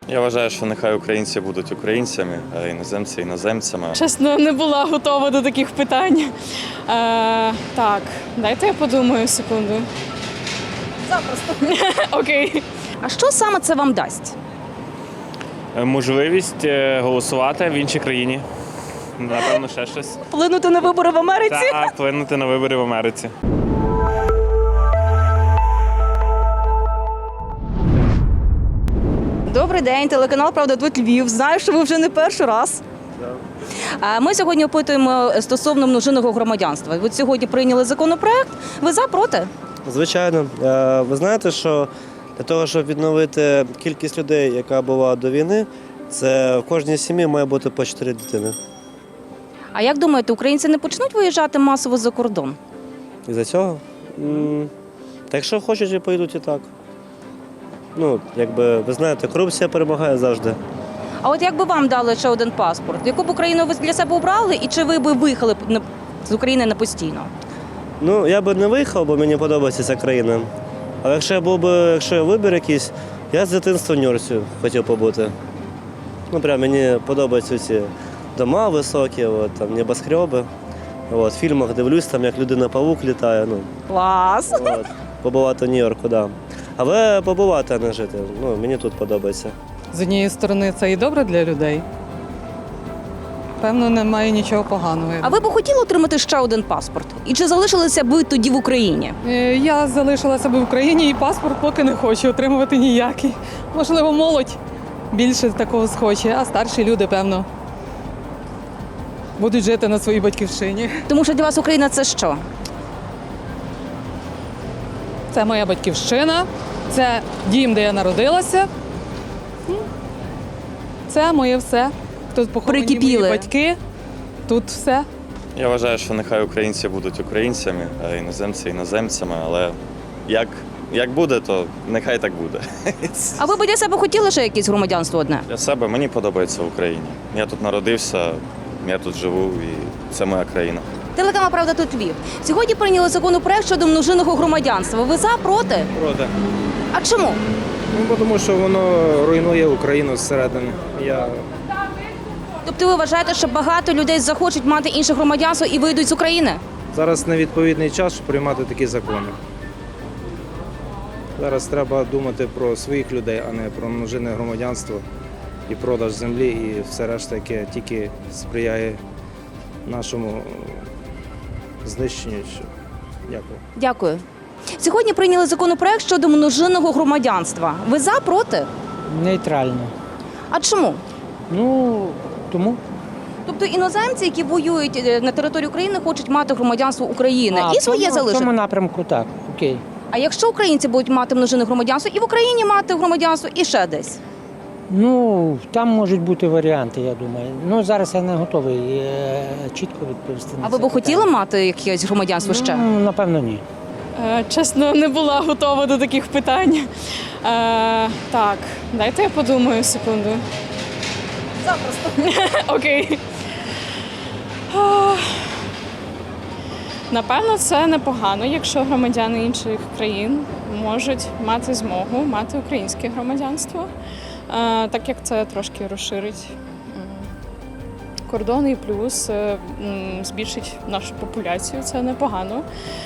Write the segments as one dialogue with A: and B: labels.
A: Я вважаю, що нехай українці будуть українцями, а іноземці іноземцями.
B: Чесно, не була готова до таких питань. Так, дайте я подумаю секунду.
C: Запросто.
B: Окей.
C: А що саме це вам дасть?
D: Можливість голосувати в іншій країні. Напевно, ще щось.
C: Вплинути на вибори в Америці?
D: Та вплинути на вибори в Америці.
C: Добрий день, телеканал «Правда тут Львів». Знаю, що ви вже не перший раз. Ми сьогодні опитуємо стосовно множинного громадянства. Ви сьогодні прийняли законопроект. Ви за, проти?
E: Звичайно. Ви знаєте, що для того, щоб відновити кількість людей, яка була до війни, це в кожній сім'ї має бути по 4 дитини.
C: А як думаєте, українці не почнуть виїжджати масово за кордон?
E: Із-за цього? Та якщо хочуть, і поїдуть і так. Ну, якби, ви знаєте, корупція перемагає завжди.
C: А от якби вам дали ще один паспорт, яку б Україну ви для себе обрали, і чи ви б виїхали з України на постійно?
E: Ну, я би не виїхав, бо мені подобається ця країна. Але якщо я вибір якийсь, я з дитинства в Нью-Йорці хотів побути. Ну, прям мені подобаються ці дома високі, там, небоскреби. В фільмах дивлюсь, там, як людина-павук літає.
C: Клас!
E: Побувати в Нью-Йорку, так. Да. Але побувати, а не жити. Ну, мені тут подобається.
F: З однієї сторони, це і добре для людей. Певно, немає нічого поганого.
C: А ви б хотіли отримати ще один паспорт? І чи залишилися б ви тоді в Україні?
F: Я залишилася б в Україні і паспорт поки не хочу отримувати ніякий. Можливо, молодь більше такого схоче, а старші люди, певно, будуть жити на своїй батьківщині.
C: Тому що для вас Україна – це що?
F: Це моя батьківщина, це дім, де я народилася. Це моє все. Тут поховані
C: Прикипіли.
F: мої батьки, тут все.
A: Я вважаю, що нехай українці будуть українцями, а іноземці іноземцями, але як буде, то нехай так буде.
C: А ви б для себе хотіли ще якесь громадянство одне?
A: Для себе мені подобається в Україні. Я тут народився, я тут живу і це моя країна.
C: Телеканал «Правда тут Львів». Сьогодні прийняли законопроект щодо множинного громадянства. Ви за, проти?
G: Проти.
C: А чому?
G: Ну, тому що воно руйнує Україну зсередини.
C: Тобто ви вважаєте, що багато людей захочуть мати інше громадянство і вийдуть з України?
G: Зараз невідповідний час, щоб приймати такі закони. Зараз треба думати про своїх людей, а не про множинне громадянство і продаж землі, і все решта, яке тільки сприяє нашому знищенню. Дякую.
C: Дякую. Сьогодні прийняли законопроект щодо множинного громадянства. Ви за, проти?
H: Нейтрально.
C: А чому?
H: Ну, тому.
C: Тобто іноземці, які воюють на території України, хочуть мати громадянство України і своє
H: В
C: залишити.
H: цьому напрямку так, окей.
C: А якщо українці будуть мати множинне громадянство і в Україні мати громадянство, і ще десь?
H: Ну, там можуть бути варіанти, я думаю. Ну, зараз я не готовий чітко відповісти на
C: А
H: це
C: ви б
H: питання.
C: хотіли мати якесь громадянство ще?
H: Ну, напевно, ні.
B: Чесно, не була готова до таких питань. Так, дайте я подумаю секунду.
C: Запросто.
B: Окей. Напевно, це непогано, якщо громадяни інших країн можуть мати змогу мати українське громадянство, так як це трошки розширить кордони і плюс збільшить нашу популяцію, це непогано.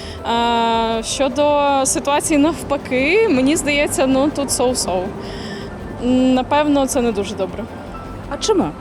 B: Щодо ситуації навпаки, мені здається, ну тут соу-соу. Напевно, це не дуже добре.
C: А чому?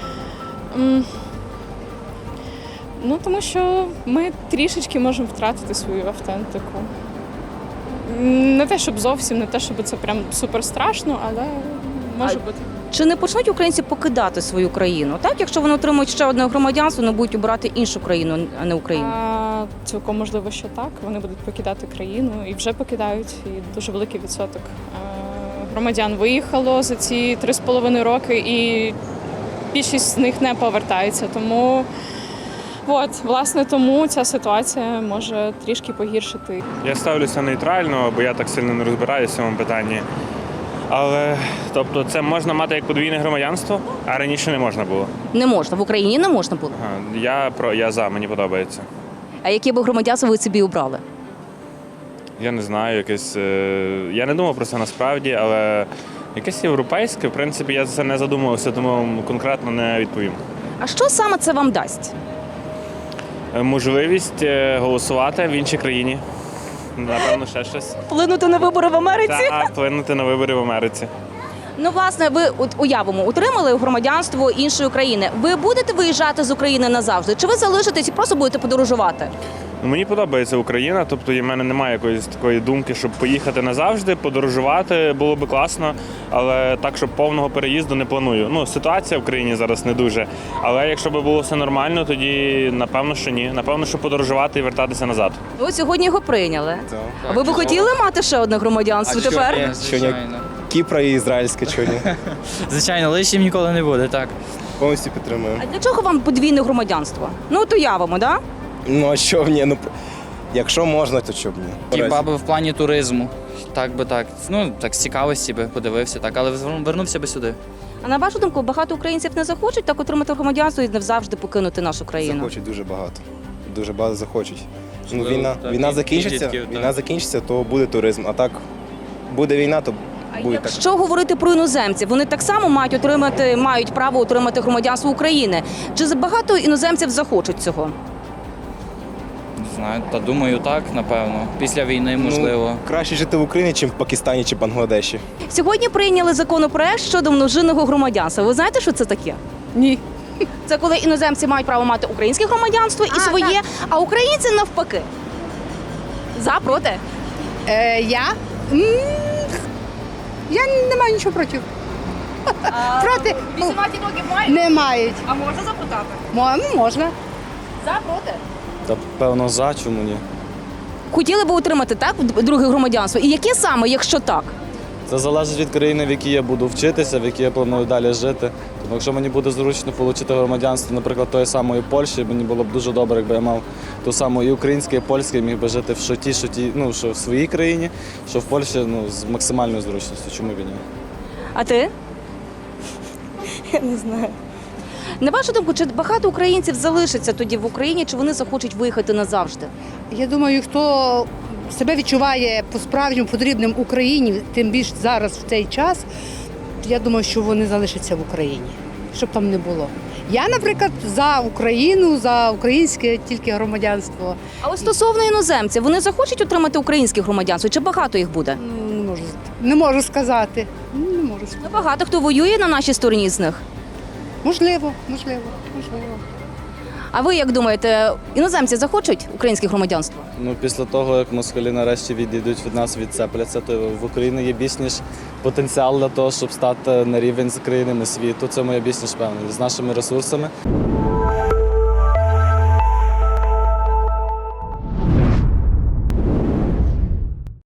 B: Ну, тому що ми трішечки можемо втратити свою автентику. Не те, щоб зовсім, не те, щоб це прям супер страшно, але може бути.
C: Чи не почнуть українці покидати свою країну? Так, якщо вони отримують ще одне громадянство, вони будуть обирати іншу країну, а не Україну?
B: Цілком можливо, що так. Вони будуть покидати країну і вже покидають. І дуже великий відсоток громадян виїхало за ці 3,5 роки, і більшість з них не повертається. Тому власне, тому ця ситуація може трішки погіршити.
D: Я ставлюся нейтрально, бо я так сильно не розбираюся в цьому питанні. Але, тобто, це можна мати як подвійне громадянство, а раніше не можна було.
C: Не можна. В Україні не можна було.
D: Я за, мені подобається.
C: А яке б громадянство ви собі обрали?
D: Я не знаю, я не думав про це насправді, але Якесь європейське, в принципі, я за це не задумувався, тому вам конкретно не відповім.
C: А що саме це вам дасть?
D: Можливість голосувати в іншій країні. Напевно, ще щось.
C: Вплинути на вибори в Америці?
D: Та вплинути на вибори в Америці.
C: Ну, власне, ви уявимо, отримали громадянство іншої країни. Ви будете виїжджати з України назавжди? Чи ви залишитесь і просто будете подорожувати?
D: Ну, мені подобається Україна, тобто в мене немає якоїсь такої думки, щоб поїхати назавжди, подорожувати було би класно, але так, щоб повного переїзду не планую. Ну, ситуація в країні зараз не дуже. Але якщо б було все нормально, тоді напевно, що ні. Напевно, що подорожувати і вертатися назад.
C: Ви от сьогодні його прийняли. А ви б хотіли мати ще одне громадянство тепер?
I: Звичайно.
J: Кіпра і ізраїльське чуні.
I: Звичайно, лишнім ніколи не буде, так.
J: Повністю підтримую.
C: А для чого вам подвійне громадянство? Ну, от уявимо, да?
J: Ну а що ні? Ну якщо можна, то що б ні.
I: Хіба би в плані туризму. Так би так. Ну, так з цікавості би подивився, так, але вернувся би сюди.
C: А на вашу думку, багато українців не захочуть так отримати громадянство і навзавжди покинути нашу країну?
J: Захочуть дуже багато. Дуже багато захочуть. Ну,
I: Можливо, так,
J: війна
I: і
J: закінчиться,
I: підлітків, так.
J: війна закінчиться, то буде туризм. А так буде війна, то
C: А
J: буде так.
C: якщо говорити про іноземців, вони так само мають право отримати громадянство України. Чи багато іноземців захочуть цього?
I: Не знаю, та думаю, так, напевно. Після війни, можливо.
J: Ну, краще жити в Україні, ніж в Пакистані чи Бангладеші.
C: Сьогодні прийняли законопроект щодо множинного громадянства. Ви знаєте, що це таке?
F: Ні.
C: Це коли іноземці мають право мати українське громадянство і своє, а українці навпаки. За, проти?
K: Я? Я не маю нічого проти. Проти?
C: 18 років мають?
K: Не мають.
C: А можна запитати?
K: Можна.
C: За, проти?
A: Та певно за, чому ні?
C: Хотіли б отримати так друге громадянство? І яке саме, якщо так?
A: Це залежить від країни, в якій я буду вчитися, в якій я планую далі жити. Тому якщо мені буде зручно отримати громадянство, наприклад, тої самої Польщі, мені було б дуже добре, якби я мав ту саму і українське, і польське, і міг би жити що в своїй країні, що в Польщі з максимальною зручністю. Чому б і ні?
C: А ти? Я не знаю. На вашу думку, чи багато українців залишиться тоді в Україні, чи вони захочуть виїхати назавжди?
K: Я думаю, хто себе відчуває по-справжньому потрібним Україні, тим більше зараз в цей час, я думаю, що вони залишаться в Україні, щоб там не було. Я, наприклад, за Україну, за українське тільки громадянство.
C: А ось стосовно іноземців, вони захочуть отримати українське громадянство, чи багато їх буде?
K: Ну, не можу сказати. Не можу сказати.
C: Ну, багато хто воює на нашій стороні з них.
K: Можливо.
C: А ви як думаєте, іноземці захочуть українське громадянство?
A: Ну, після того, як москалі нарешті відійдуть від нас, відцепляться, то в Україні є більш ніж потенціал для того, щоб стати на рівень з країнами світу. Це моя більш ніж певна. З нашими ресурсами.